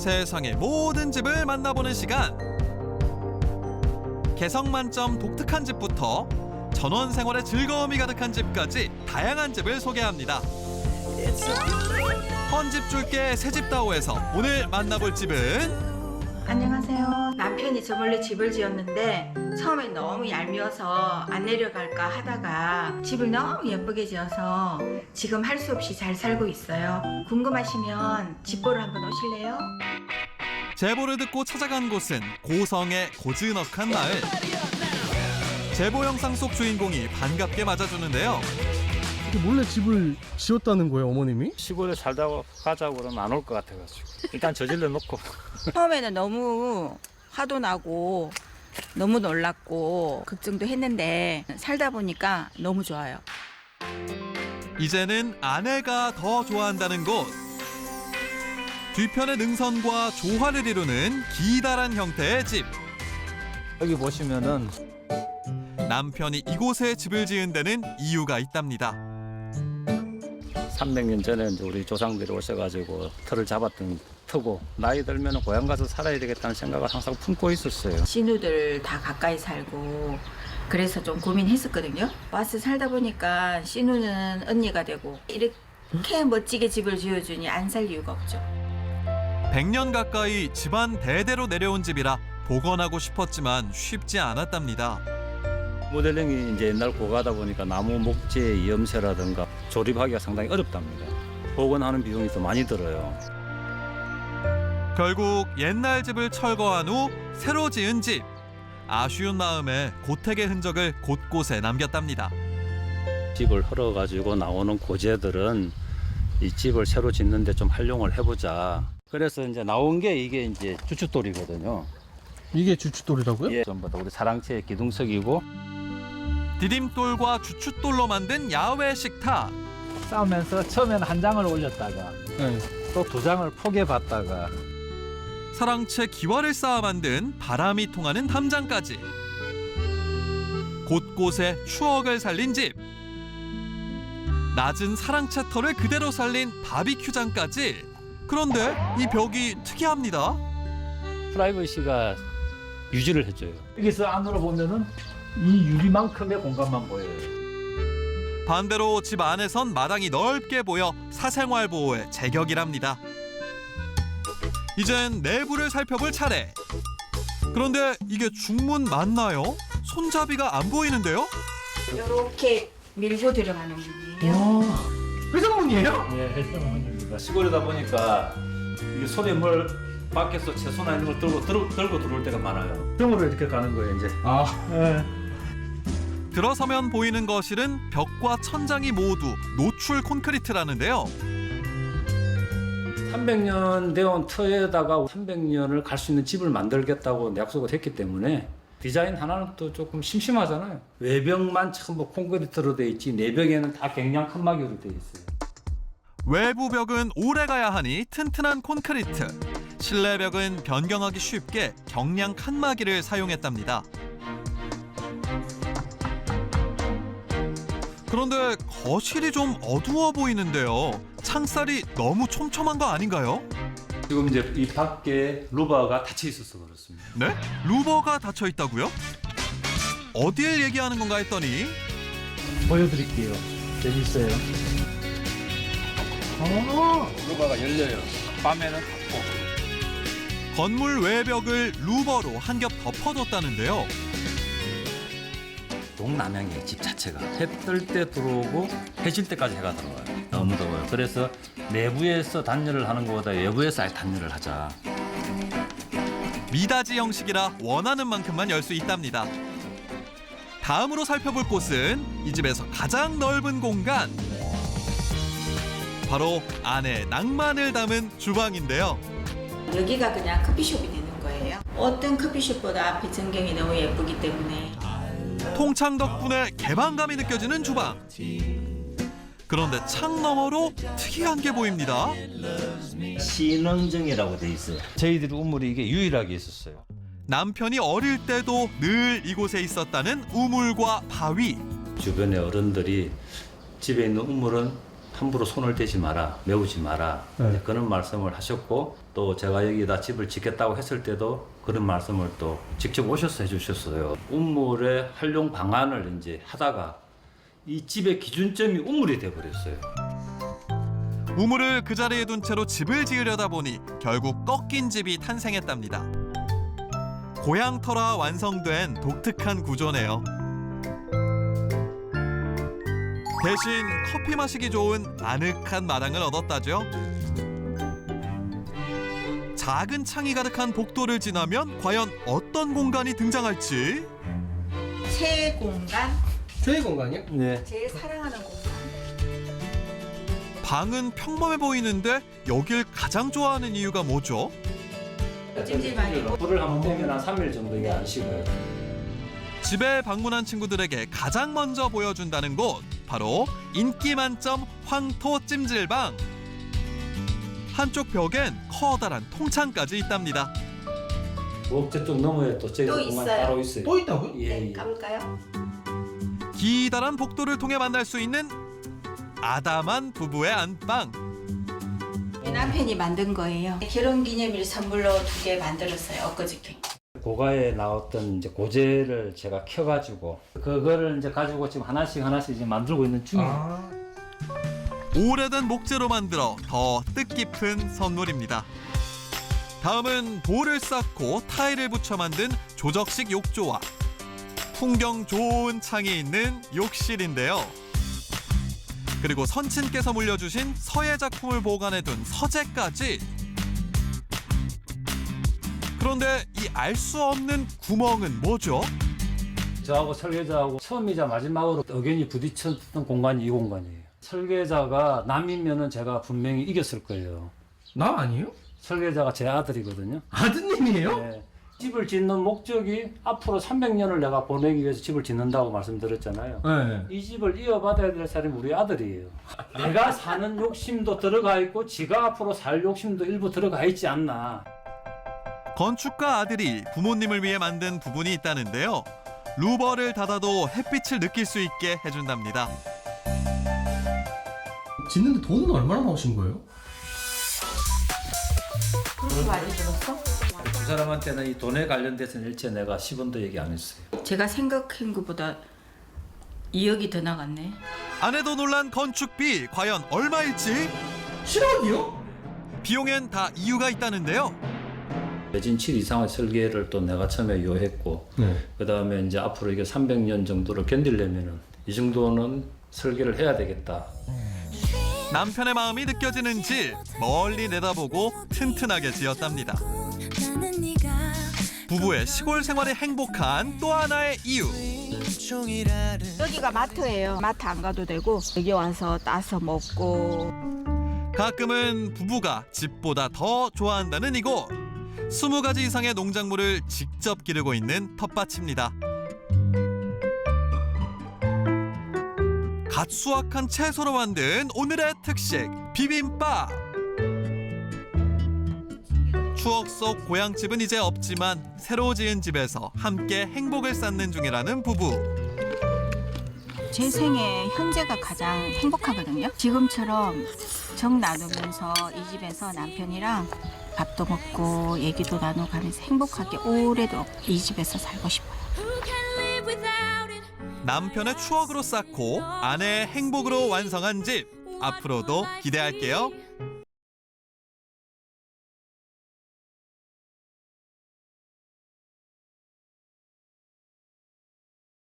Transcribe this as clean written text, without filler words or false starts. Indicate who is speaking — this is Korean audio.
Speaker 1: 세상의 모든 집을 만나보는 시간. 개성 만점 독특한 집부터 전원 생활의 즐거움이 가득한 집까지 다양한 집을 소개합니다. 헌집 줄게 새집다오에서 오늘 만나볼 집은
Speaker 2: 안녕하세요. 남편이 저 몰래 집을 지었는데 처음엔 너무 얄미워서 안 내려갈까 하다가 집을 너무 예쁘게 지어서 지금 할 수 없이 잘 살고 있어요. 궁금하시면 집 보러 한번 오실래요?
Speaker 1: 제보를 듣고 찾아간 곳은 고성의 고즈넉한 마을. 제보 영상 속 주인공이 반갑게 맞아주는데요.
Speaker 3: 몰래 집을 지었다는 거예요, 어머님이?
Speaker 4: 시골에 살다 가자고 그러면 안 올 것 같아가지고 일단 저질러 놓고.
Speaker 2: 처음에는 너무 화도 나고 너무 놀랐고 걱정도 했는데 살다 보니까 너무 좋아요.
Speaker 1: 이제는 아내가 더 좋아한다는 곳. 뒤편의 능선과 조화를 이루는 기다란 형태의 집.
Speaker 4: 여기 보시면은
Speaker 1: 남편이 이곳에 집을 지은 데는 이유가 있답니다.
Speaker 4: 300년 전에 이제 우리 조상들이 오셔가지고 터를 잡았던 터고 나이 들면 고향 가서 살아야 되겠다는 생각을 항상 품고 있었어요.
Speaker 2: 신우들 다 가까이 살고 그래서 좀 고민했었거든요. 와서 살다 보니까 신우는 언니가 되고 이렇게 멋지게 집을 지어주니 안 살 이유가 없죠.
Speaker 1: 100년 가까이 집안 대대로 내려온 집이라 복원하고 싶었지만 쉽지 않았답니다.
Speaker 4: 모델링이 이제 옛날 고가다 보니까 나무 목재 염세라든가 조립하기가 상당히 어렵답니다. 복원하는 비용이 더 많이 들어요.
Speaker 1: 결국 옛날 집을 철거한 후 새로 지은 집. 아쉬운 마음에 고택의 흔적을 곳곳에 남겼답니다.
Speaker 4: 집을 헐어가지고 나오는 고재들은 이 집을 새로 짓는데 좀 활용을 해보자. 그래서 이제 나온 게 이게 이제 주춧돌이거든요.
Speaker 3: 이게 주춧돌이라고요?
Speaker 4: 예, 전부 다 우리 사랑채의 기둥석이고
Speaker 1: 디딤돌과 주춧돌로 만든 야외 식탁.
Speaker 4: 싸우면서 처음에는 한 장을 올렸다가
Speaker 3: 네.
Speaker 4: 또 두 장을 포개봤다가
Speaker 1: 사랑채 기와를 쌓아 만든 바람이 통하는 담장까지. 곳곳에 추억을 살린 집. 낮은 사랑채 털을 그대로 살린 바비큐장까지. 그런데 이 벽이 특이합니다.
Speaker 4: 프라이버시가 유지를 해줘요. 여기서 안으로 보면은 이 유리만큼의 공간만 보여요.
Speaker 1: 반대로 집 안에선 마당이 넓게 보여 사생활 보호에 제격이랍니다. 이젠 내부를 살펴볼 차례. 그런데 이게 중문 맞나요? 손잡이가 안 보이는데요?
Speaker 2: 이렇게 밀고 들어가는 문이에요.
Speaker 3: 와, 회전문이에요?
Speaker 4: 예, 해당합니다. 시골이다 보니까 이게 손에 뭘 밖에서 채소나 이런 걸 들고 들어올 때가 많아요. 등으로 이렇게 가는 거예요, 이제.
Speaker 3: 아,
Speaker 4: 예.
Speaker 1: 들어서면 보이는 거실은 벽과 천장이 모두 노출 콘크리트라는데요.
Speaker 4: 300년 되온 터에다가 300년을 갈 수 있는 집을 만들겠다고 약속을 했기 때문에 디자인 하나는 또 조금 심심하잖아요. 외벽만 전부 콘크리트로 돼 있지 내벽에는 다 갱량 칸막이로 돼 있어요.
Speaker 1: 외부 벽은 오래 가야 하니 튼튼한 콘크리트. 실내 벽은 변경하기 쉽게 경량 칸막이를 사용했답니다. 그런데 거실이 좀 어두워 보이는데요. 창살이 너무 촘촘한 거 아닌가요?
Speaker 4: 지금 이제 이 밖에 루바가 닫혀 있어서 그렇습니다.
Speaker 1: 네? 루버가 닫혀 있다고요? 어딜 얘기하는 건가 했더니
Speaker 4: 보여드릴게요. 재밌어요. 루바가 열려요. 밤에는 닫고.
Speaker 1: 건물 외벽을 루버로 한 겹 덮어뒀다는데요.
Speaker 4: 동남향이에요, 집 자체가. 해 뜰 때 들어오고 해 질 때까지 해가 들어와요. 너무 더워요. 그래서 내부에서 단열을 하는 것보다 외부에서 아예 단열을 하자.
Speaker 1: 미닫이 형식이라 원하는 만큼만 열 수 있답니다. 다음으로 살펴볼 곳은 이 집에서 가장 넓은 공간. 바로 안에 낭만을 담은 주방인데요.
Speaker 2: 여기가 그냥 커피숍이 되는 거예요. 어떤 커피숍보다 앞에 전경이 너무 예쁘기 때문에
Speaker 1: 통창 덕분에 개방감이 느껴지는 주방. 그런데 창 너머로 특이한 게 보입니다.
Speaker 4: 신흥정이라고 돼 있어요. 저희들이 우물이 이게 유일하게 있었어요.
Speaker 1: 남편이 어릴 때도 늘 이곳에 있었다는 우물과 바위.
Speaker 4: 주변의 어른들이 집에 있는 우물은 함부로 손을 대지 마라, 메우지 마라 이제 그런 말씀을 하셨고 또 제가 여기다 집을 짓겠다고 했을 때도 그런 말씀을 또 직접 오셔서 해주셨어요. 우물의 활용 방안을 이제 하다가 이 집의 기준점이 우물이 돼버렸어요.
Speaker 1: 우물을 그 자리에 둔 채로 집을 지으려다 보니 결국 꺾인 집이 탄생했답니다. 고향터라 완성된 독특한 구조네요. 대신 커피 마시기 좋은 아늑한 마당을 얻었다죠. 작은 창이 가득한 복도를 지나면 과연 어떤 공간이 등장할지.
Speaker 2: 새 공간,
Speaker 3: 최애 공간이요?
Speaker 4: 네.
Speaker 2: 제일 사랑하는 공간.
Speaker 1: 방은 평범해 보이는데 여길 가장 좋아하는 이유가 뭐죠?
Speaker 2: 찜질방이고.
Speaker 4: 불을 한번 떼면 한 3일 정도 이게 안 식어요.
Speaker 1: 집에 방문한 친구들에게 가장 먼저 보여준다는 곳, 바로 인기 만점 황토 찜질방. 한쪽 벽엔 커다란 통창까지 있답니다.
Speaker 4: 저쪽 너머에 또 저기
Speaker 2: 또
Speaker 4: 공간
Speaker 2: 있어요?
Speaker 4: 따로 있어요.
Speaker 3: 또 있다고요?
Speaker 4: 예, 예.
Speaker 2: 까볼까요?
Speaker 1: 기다란 복도를 통해 만날 수 있는 아담한 부부의 안방.
Speaker 2: 남편이 만든 거예요. 결혼기념일 선물로 2개 만들었어요. 엊그저께.
Speaker 4: 고가에 나왔던 이제 고제를 제가 켜가지고 그거를 이제 가지고 지금 하나씩 이제 만들고 있는 중이에요.
Speaker 1: 오래된 목재로 만들어 더 뜻깊은 선물입니다. 다음은 돌을 쌓고 타일을 붙여 만든 조적식 욕조와 풍경 좋은 창이 있는 욕실인데요. 그리고 선친께서 물려주신 서예 작품을 보관해둔 서재까지. 그런데 이 알 수 없는 구멍은 뭐죠?
Speaker 4: 저하고 설계자하고 처음이자 마지막으로 의견이 부딪혔던 공간이 이 공간이에요. 설계자가 남이면은 제가 분명히 이겼을 거예요.
Speaker 3: 남 아니에요?
Speaker 4: 설계자가 제 아들이거든요.
Speaker 3: 아드님이에요?
Speaker 4: 네. 집을 짓는 목적이 앞으로 300년을 내가 보내기 위해서 집을 짓는다고 말씀드렸잖아요.
Speaker 3: 네.
Speaker 4: 이 집을 이어받아야 될 사람이 우리 아들이에요. 내가 사는 욕심도 들어가 있고 지가 앞으로 살 욕심도 일부 들어가 있지 않나.
Speaker 1: 건축가 아들이 부모님을 위해 만든 부분이 있다는데요. 루버를 닫아도 햇빛을 느낄 수 있게 해준답니다.
Speaker 3: 짓는데 돈은 얼마나 나오신 거예요?
Speaker 2: 그렇게 많이 들었어?
Speaker 4: 두 사람한테는 이 돈에 관련돼서는 일체 내가 10원도 얘기 안 했어요.
Speaker 2: 제가 생각한 것보다 2억이 더 나갔네.
Speaker 1: 아내도 놀란 건축비 과연 얼마일지?
Speaker 3: 7억이요?
Speaker 1: 비용엔 다 이유가 있다는데요.
Speaker 4: 매진 7 이상의 설계를 또 내가 처음에 요했고
Speaker 3: 네.
Speaker 4: 그 다음에 이제 앞으로 이게 300년 정도를 견디려면은 이 정도는 설계를 해야 되겠다.
Speaker 1: 남편의 마음이 느껴지는지 멀리 내다보고 튼튼하게 지었답니다. 부부의 시골 생활이 행복한 또 하나의 이유.
Speaker 2: 여기가 마트예요. 마트 안 가도 되고 여기 와서 따서 먹고.
Speaker 1: 가끔은 부부가 집보다 더 좋아한다는 이곳. 20가지 이상의 농작물을 직접 기르고 있는 텃밭입니다. 갓 수확한 채소로 만든 오늘의 특식 비빔밥. 추억 속 고향집은 이제 없지만 새로 지은 집에서 함께 행복을 쌓는 중이라는 부부.
Speaker 2: 제 생에 현재가 가장 행복하거든요. 지금처럼 정 나누면서 이 집에서 남편이랑 밥도 먹고 얘기도 나누고 하면서 행복하게 오래도 이 집에서 살고 싶어요.
Speaker 1: 남편의 추억으로 쌓고 아내의 행복으로 완성한 집. 앞으로도 기대할게요.